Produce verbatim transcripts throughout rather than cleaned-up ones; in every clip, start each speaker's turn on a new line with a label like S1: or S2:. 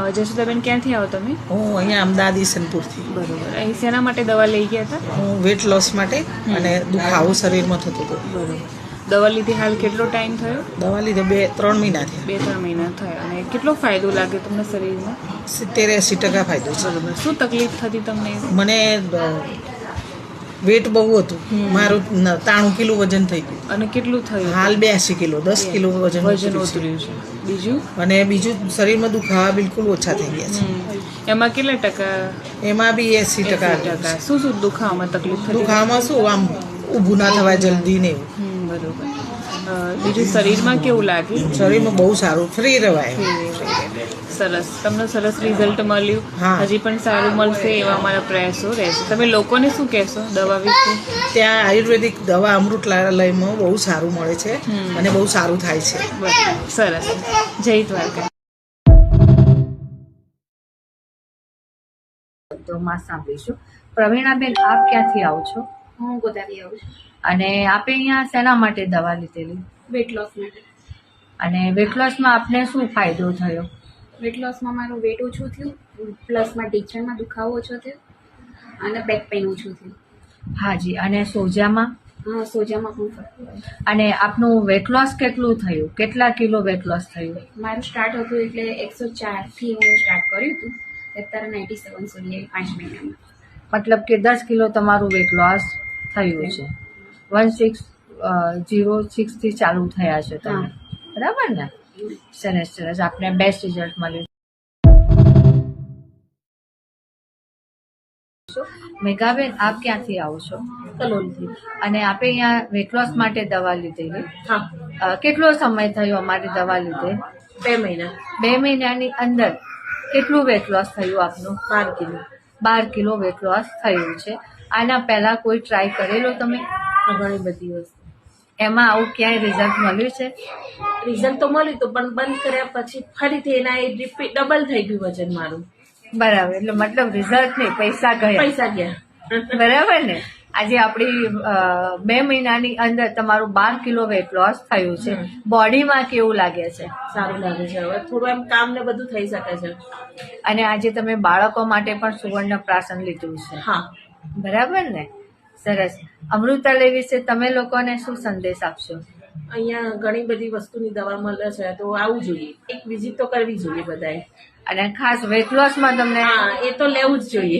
S1: જશોદાબેન, ક્યાંથી આવો તમે?
S2: હું અહીંયા અમદાવાદ ઈસનપુરથી.
S1: બરોબર. અહીં શેના માટે દવા લઈ ગયા હતા?
S2: હું વેટ લોસ માટે અને દુખાવો શરીરમાં થતો હતો.
S1: બરોબર. દવા લીધી હાલ કેટલો ટાઈમ થયો?
S2: દવા લીધે બે ત્રણ મહિના થયા.
S1: બે ત્રણ મહિના થયા. અને કેટલો ફાયદો લાગે તમને શરીરમાં?
S2: સિત્તેર એંસી ટકા ફાયદો છે.
S1: બરોબર. શું તકલીફ થતી તમને?
S2: મને વેટ બહુ હતું. મારું ત્રાણું કિલો વજન થઈ ગયું.
S1: અને કેટલું થયું?
S2: હાલ બ્યાસી કિલો દસ કિલો વજન
S1: વજન ઉતર્યું છે. બીજું?
S2: અને બીજું શરીરમાં દુખાવા બિલકુલ ઓછા થઈ ગયા છે.
S1: એમાં કેટલા ટકા?
S2: એમાં બી એંસી ટકા.
S1: ટકા. શું શું દુખાવામાં તકલીફ થતી?
S2: દુખાવામાં શું આમ ઊભું ના થવાય જલ્દી ને એવું.
S1: હમ, બરોબર. બીજું શરીરમાં કેવું લાગે?
S2: શરીરમાં બહુ સારું, ફ્રી રહેવાય.
S1: સરસ. તમને સરસ રિઝલ્ટ મળ્યું. હજી પણ સારું મળશે એવા અમારા પ્રયાસો રહેશે. તમે લોકોને શું કહેશો દવા વિશે?
S2: ત્યાં આયુર્વેદિક દવા અમૃતલાલયમાં બહુ સારું મળે છે અને બહુ સારું થાય છે.
S1: સરસ. જય દ્વારકા.
S3: તો માં સાંભળીશું. પ્રવીણાબેન, આપ ક્યાંથી આવો છો?
S4: હું ગોદાવી આવું છું.
S3: અને આપે અહીંયા શેના માટે દવા લીધેલી?
S4: વેટ લોસ માટે.
S3: અને વેટ લોસમાં આપને શું ફાયદો થયો?
S4: વેટ લોસમાં મારું વેટ ઓછું થયું, પ્લસમાં ઢીંચણમાં દુખાવો ઓછો થયો અને બેક પેઇન ઓછું થયું.
S3: હાજી. અને સોજામાં?
S4: હા, સોજામાં પણ ફરક પડ્યો.
S3: અને આપનું વેટ લોસ કેટલું થયું? કેટલા કિલો વેટ લોસ થયું?
S4: મારું સ્ટાર્ટ હતું એટલે એકસો ચારથી હું સ્ટાર્ટ કર્યું હતું, અત્યારે નાઇન્ટી સેવન સુધી આવી પાંચ મહિનામાં.
S3: મતલબ કે દસ કિલો તમારું વેટ લોસ થયું છે. વન સિક્સ જીરો સિક્સથી ચાલુ થયા છે તમે, બરાબર ને? સરસ સરસ. આપને બેસ્ટ રિઝલ્ટ મળ્યું. મેઘાબેન, આપ ક્યાંથી આવો છો?
S4: કલોલથી.
S3: અને આપે અહીંયા વેટ લોસ માટે દવા લીધેલી?
S4: હા,
S3: કેટલો સમય થયો અમારી દવા લીધે?
S4: બે મહિના.
S3: બે મહિનાની અંદર કેટલું વેટ લોસ થયું આપનું?
S4: બાર કિલો.
S3: બાર કિલો વેટ લોસ થયું છે. આના પહેલા કોઈ ટ્રાય કરેલો તમે?
S4: ઘણી બધી વસ્તુ.
S3: એમાં આવું ક્યાંય રિઝલ્ટ મળ્યું છે?
S4: રિઝલ્ટ તો મળ્યું હતું, પણ બંધ કર્યા પછી ફરીથી એના રિપીટ ડબલ થઈ ગયું વજન મારું.
S3: બરાબર. એટલે મતલબ રિઝલ્ટ નહીં, પૈસા ગયા.
S4: પૈસા ગયા.
S3: બરાબર ને? આજે આપણી બે મહિનાની અંદર તમારું બાર કિલો વેટ લોસ થયું છે. બોડીમાં કેવું લાગે છે?
S4: સારું લાગે છે. હવે થોડું એમ કામ ને બધું થઈ શકે છે.
S3: અને આજે તમે બાળકો માટે પણ સુવર્ણ પ્રાશન લીધું છે.
S4: હા,
S3: બરાબર ને? સરસ. અમૃતાલય વિશે તમે લોકોને શું સંદેશ આપશો?
S4: અહીંયા ઘણી બધી વસ્તુની દવા મળે છે, તો આવવું જોઈએ. એક વિઝિટ તો કરવી જોઈએ બધાએ.
S3: અને ખાસ વેટ લોસમાં તમને?
S4: હા, એ તો લેવું જ જોઈએ.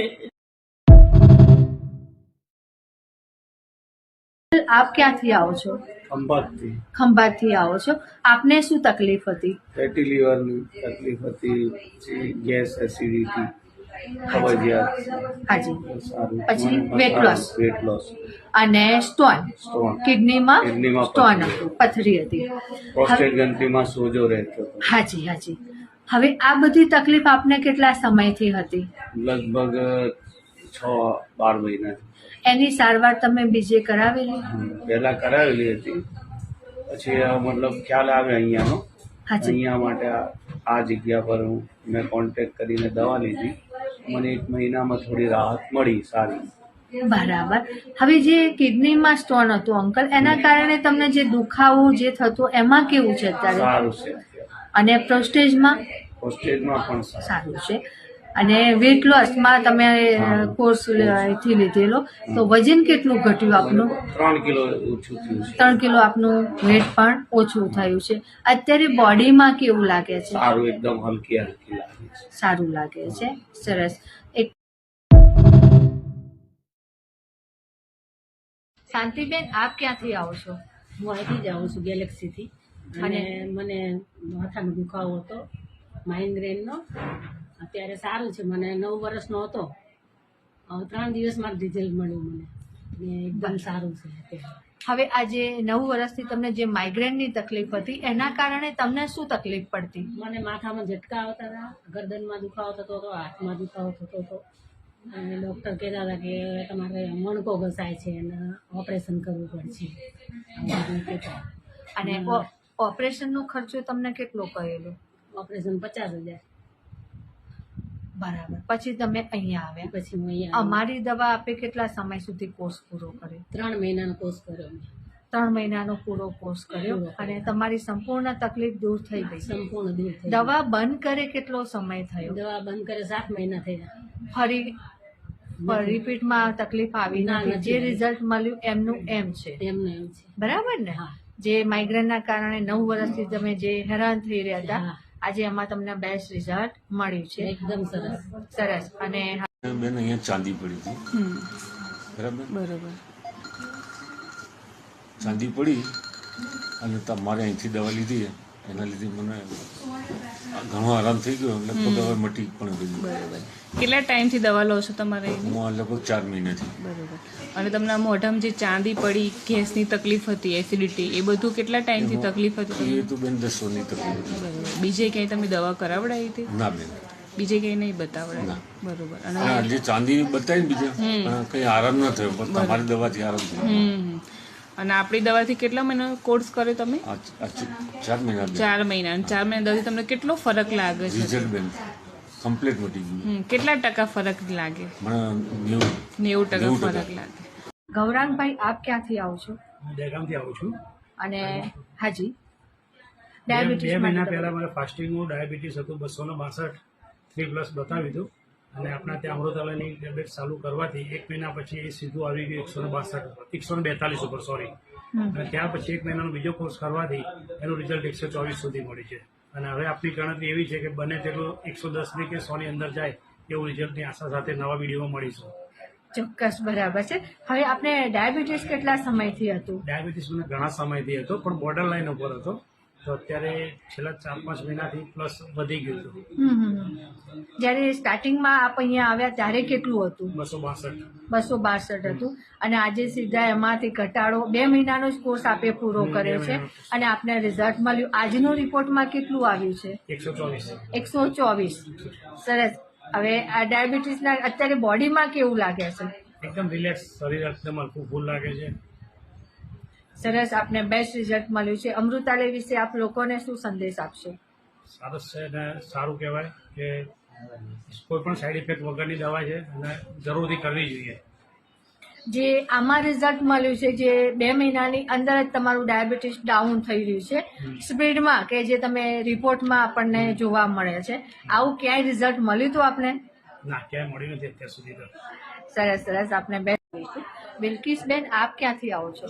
S3: આપ ક્યાંથી આવો છો?
S5: ખંભાતથી.
S3: ખંભાતથી આવો છો. આપને શું તકલીફ હતી?
S5: ફેટી લીવરની તકલીફ હતી, પછી ગેસ, એસિડિટી, કબજિયાત.
S3: હાજી.
S5: સારું.
S3: પછી વેટ લોસ.
S5: વેટ લોસ
S3: અને સ્ટોન?
S5: સ્ટોન.
S3: કિડનીમાં
S5: કિડનીમાં
S3: સ્ટોન
S5: પથરી.
S3: હતું, પથરી હતી.
S5: પ્રોસ્ટેટ ગ્રંથિમાં સોજો રહેતો હતો.
S3: હાજી હાજી. હવે આ બધી તકલીફ આપને કેટલા સમયથી હતી?
S5: લગભગ છ બાર મહિના.
S3: એની સારવાર તમે બીજે કરાવેલી?
S5: પહેલા કરાવેલી હતી, પછી આ મતલબ ખ્યાલ આવે અહીંયાનો.
S3: હાજી.
S5: અહીંયા માટે આ- આ જગ્યા પર હું મેં કોન્ટેક્ટ કરીને દવા લીધી. મને એક મહિનામાં થોડી રાહત મળી સારી.
S3: બરાબર. હવે જે કિડનીમાં સ્ટોન હતું અંકલ, એના કારણે તમને જે દુખાવો જે થતો એમાં કેવું છે અત્યારે?
S5: સારું છે અત્યારે.
S3: અને પ્રોસ્ટેજમાં?
S5: હોસ્ટેજમાં પણ સારું.
S3: સારું છે. અને વેટ લોસમાં તમે કોર્સ થી લીધેલો, તો વજન કેટલું ઘટ્યું આપનું?
S5: ત્રણ કિલો ઓછું થયું છે.
S3: ત્રણ કિલો આપનું વેટ પણ ઓછું થયું છે. અત્યારે બોડીમાં કેવું લાગે છે?
S5: સારું, એકદમ હલકી હલકી લાગે છે.
S3: સારું લાગે છે. સરસ. એક શાંતિબેન, આપ ક્યાંથી આવો છો?
S6: હું અહીંથી જ આવું છું, ગેલેક્સીથી. અને મને માથાનો દુખાવો હતો, માઇગ્રેનનો. અત્યારે સારું છે. મને નવ વર્ષનો હતો, ત્રણ દિવસમાં જ રિઝલ્ટ મળ્યું મને, ને એકદમ સારું છે અત્યારે.
S3: હવે આજે નવ વર્ષથી તમને જે માઇગ્રેનની તકલીફ હતી, એના કારણે તમને શું તકલીફ પડતી?
S6: મને માથામાં ઝટકા આવતા હતા, ગરદનમાં દુખાવો થતો હતો, હાથમાં દુખાવો થતો હતો. અને ડૉક્ટર કહેતા હતા કે તમારે મણકો ઘસાય છે અને ઓપરેશન કરવું પડશે. આવું બધું કહેતા.
S3: અને ઓપરેશનનો ખર્ચો તમને કેટલો કહેલો?
S6: ઓપરેશન પચાસ હજાર.
S3: બરાબર. પછી તમે અહીંયા આવ્યા.
S6: પછી હું અહીંયા
S3: અમારી દવા આપે કેટલા સમય સુધી કોર્સ પૂરો કર્યો?
S6: ત્રણ મહિનાનો કોર્સ કર્યો મેં.
S3: ત્રણ મહિનાનો પૂરો કોર્સ કર્યો અને તમારી સંપૂર્ણ તકલીફ દૂર થઈ ગઈ.
S6: સંપૂર્ણ દૂર થઈ
S3: દવા બંધ કરે કેટલો સમય થયો?
S6: દવા બંધ કરે સાત મહિના થયા.
S3: ફરી રિપીટમાં તકલીફ આવી
S6: ના,
S3: નથી?
S6: નથી.
S3: જે રિઝલ્ટ મળ્યું એમનું એમ છે,
S6: એમને એમ છે.
S3: બરાબર ને?
S6: હા.
S3: જે માઇગ્રેનના કારણે નવ વર્ષથી તમે જે હેરાન થઈ રહ્યા હતા,
S6: હા.
S3: આજે એમાં તમને બેસ્ટ રિઝલ્ટ મળ્યું છે.
S6: એકદમ સરસ.
S3: સરસ. અને
S7: બેન અહીંયા ચાંદી પડી હતી,
S1: હમ
S7: બરાબર.
S1: બરોબર.
S7: ચાંદી પડી અને તમારે અહીંથી દવા લીધી એના લીધે મને ઘણો આરામ થઈ ગયો. લગભગ હવે મટી પણ ગયું.
S1: બરોબર. કેટલા ટાઈમથી દવા લો છો તમારે એની?
S7: હું આ લગભગ ચાર મહિનાથી.
S1: બરોબર. અને તમને આ મોઢામાં જે ચાંદી પડી, ગેસની તકલીફ હતી, એસિડિટી, એ બધું કેટલા ટાઈમથી તકલીફ હતી
S7: એ
S1: તમને?
S7: તો બેન દસોની તકલીફ હતી.
S1: બરોબર. બીજે ક્યાંય તમે દવા કરાવડાવી હતી?
S7: ના બેન,
S1: બીજે ક્યાંય નહીં બતાવડાવી?
S7: ના.
S1: બરોબર.
S7: અને
S1: અને
S7: આ જે ચાંદી બતાવી ને બીજા પણ કઈ આરામ ન થયો, પણ તમારી દવાથી આરામ થયો.
S1: હમ અને આપણી દવાથી કેટલા મહિનાનો કોર્સ કર્યો તમે?
S7: આ આ ચાર મહિના બેન.
S1: ચાર મહિના. અને ચાર મહિના દવાથી તમને કેટલો ફરક લાગે છે?
S7: રિઝલ્ટ બેન કમ્પ્લીટ મટી ગયું.
S1: હમ કેટલા ટકા ફરક લાગે?
S7: મને નેવું
S1: નેવું ટકા
S7: નેવું ટકા.
S1: ફરક લાગે.
S3: ગૌરાંગભાઈ, આપ ક્યાંથી આવો છો?
S8: દહેગામથી આવું છું.
S3: અને હાજી,
S8: બે
S3: ડાયાબિટીસ
S8: બે મહિના
S3: માટે
S8: પહેલા મને ફાસ્ટિંગનું ડાયાબિટીસ હતું, બસો ને બાસઠ થ્રી પ્લસ બતાવ્યું હતું અને આપણા ત્યાં અમૃતાલયની ટેબ્લેટ ચાલુ કરવાથી એક મહિના પછી એ સીધું આવી ગયું એકસો ને બાસઠ એકસો ને બેતાલીસ ઉપર સોરી. અને ત્યાર પછી એક મહિનાનો બીજો કોર્સ કરવાથી એનું રિઝલ્ટ એકસો ચોવીસ સુધી મળ્યું છે. અને હવે આપણી ગણતરી એવી છે કે બને તેટલું એકસો દસની કે સોની અંદર જાય એવું રિઝલ્ટની આશા સાથે નવા વિડીયોમાં મળીશું.
S3: ચોક્કસ, બરાબર છે. હવે આપણે ડાયાબિટીસ કેટલા સમયથી હતું?
S8: ડાયાબિટીસ મને ઘણા સમયથી હતો પણ બોર્ડર લાઈન ઉપર હતો, તો અત્યારે છેલ્લા ચાર પાંચ મહિનાથી પ્લસ વધી ગયું હતું.
S3: હમ હમ. જ્યારે સ્ટાર્ટિંગમાં આપ અહીંયા આવ્યા ત્યારે કેટલું હતું?
S8: બસો બાસઠ.
S3: બસો બાસઠ હતું. અને આજે સીધા એમાંથી ઘટાડો, બે મહિનાનો જ કોર્સ આપે પૂરો
S8: હમ,
S3: કર્યો
S8: બે
S3: છે
S8: મહિનાનો.
S3: અને આપને રિઝલ્ટ મળ્યું. આજનો રિપોર્ટમાં કેટલું આવ્યું છે?
S8: એકસો ચોવીસ.
S3: એકસો ચોવીસ. સરસ. હવે આ ડાયાબિટીસના અત્યારે બોડીમાં કેવું લાગે છે?
S8: એકદમ રિલેક્સ, શરીર એકદમ હલકું ફૂલ લાગે છે.
S3: સરસ. આપને બેસ્ટ રિઝલ્ટ મળ્યું છે. અમૃતાલય વિશે આપ લોકોને શું સંદેશ આપશો?
S8: સરસ છે અને સારું કહેવાય કે કોઈ પણ સાઈડ ઇફેક્ટ વગરની દવા છે અને જરૂરથી કરવી જોઈએ.
S3: જે આમાં રિઝલ્ટ મળ્યું છે, જે બે મહિનાની અંદર જ તમારું ડાયાબિટીસ ડાઉન થઈ રહ્યું છે સ્પીડમાં, કે જે તમે રિપોર્ટમાં આપણને જોવા મળે છે, આવું ક્યાંય રિઝલ્ટ મળ્યું હતું આપને?
S8: ના, ક્યાંય મળ્યું નથી અત્યાર સુધી તો.
S3: સરસ સરસ. આપને બેસ્ટ. બિલકિસબેન, આપ ક્યાંથી આવો છો?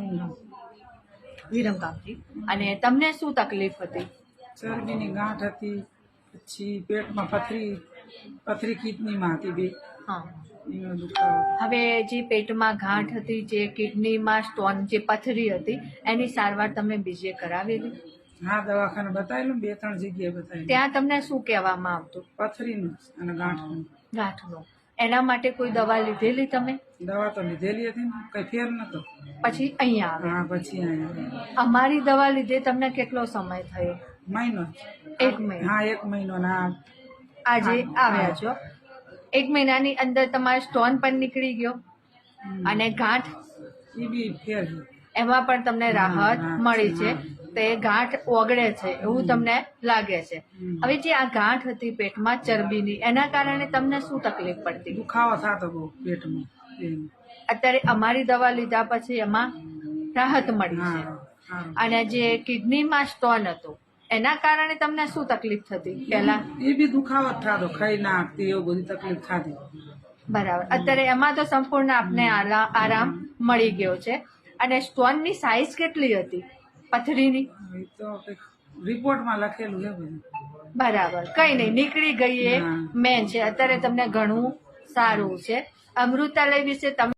S3: વિરમગામથી. અને તમને શું તકલીફ હતી?
S2: ચરબીની ગાંઠ હતી, પછી પેટમાં પથરી પથરી કિડનીમાં હતી બે,
S3: હા.
S2: એનો દુખાવો.
S3: હવે જે પેટમાં ગાંઠ હતી, જે કિડનીમાં સ્ટોન, જે પથરી હતી, એની સારવાર તમે બીજે કરાવેલી?
S2: હા, દવાખાને બતાવેલું, બે ત્રણ જગ્યાએ બતાવેલું.
S3: ત્યાં તમને શું કહેવામાં આવતું?
S2: પથરીનું અને ગાંઠનું.
S3: ગાંઠનું. એના માટે કોઈ દવા લીધેલી તમે?
S2: દવા તો લીધેલી હતી ને, કઈ ફેર નતો.
S3: પછી અહીંયા આવે?
S2: હા, પછી અહીંયા
S3: અમારી દવા લીધે તમને કેટલો સમય થયો?
S2: મહિનો.
S3: એક મહિનો.
S2: હા, એક મહિનો ના.
S3: આજે આવ્યા છો, એક મહિનાની અંદર તમારો સ્ટોન પણ નીકળી ગયો અને ગાંઠ,
S2: એ બી ફેર છે.
S3: એમાં પણ તમને રાહત મળી છે. તે ગાંઠ ઓગળે છે એવું તમને લાગે છે. હવે જે આ ગાંઠ હતી પેટમાં ચરબીની, એના કારણે તમને શું તકલીફ પડતી?
S2: દુખાવો થતો બહુ પેટમાં. એમ.
S3: અત્યારે અમારી દવા લીધા પછી એમાં રાહત મળી છે.
S2: હા, હા.
S3: અને જે કિડનીમાં સ્ટોન હતો એના કારણે તમને શું તકલીફ થતી પહેલા?
S2: એ બી દુખાવો જ થતો, ખાઈ ના આપતી, એવું બધી તકલીફ થતી.
S3: બરાબર. અત્યારે એમાં તો સંપૂર્ણ આપને આલા- આરામ મળી ગયો છે. અને સ્ટોનની સાઇઝ કેટલી હતી પથરીની?
S2: એ તો કંઈક રિપોર્ટમાં લખેલું છે બધું.
S3: બરાબર. કઈ નહીં, નીકળી ગઈ એ મેન છે. અત્યારે તમને ઘણું સારું છે. અમૃતાલય વિશે તમે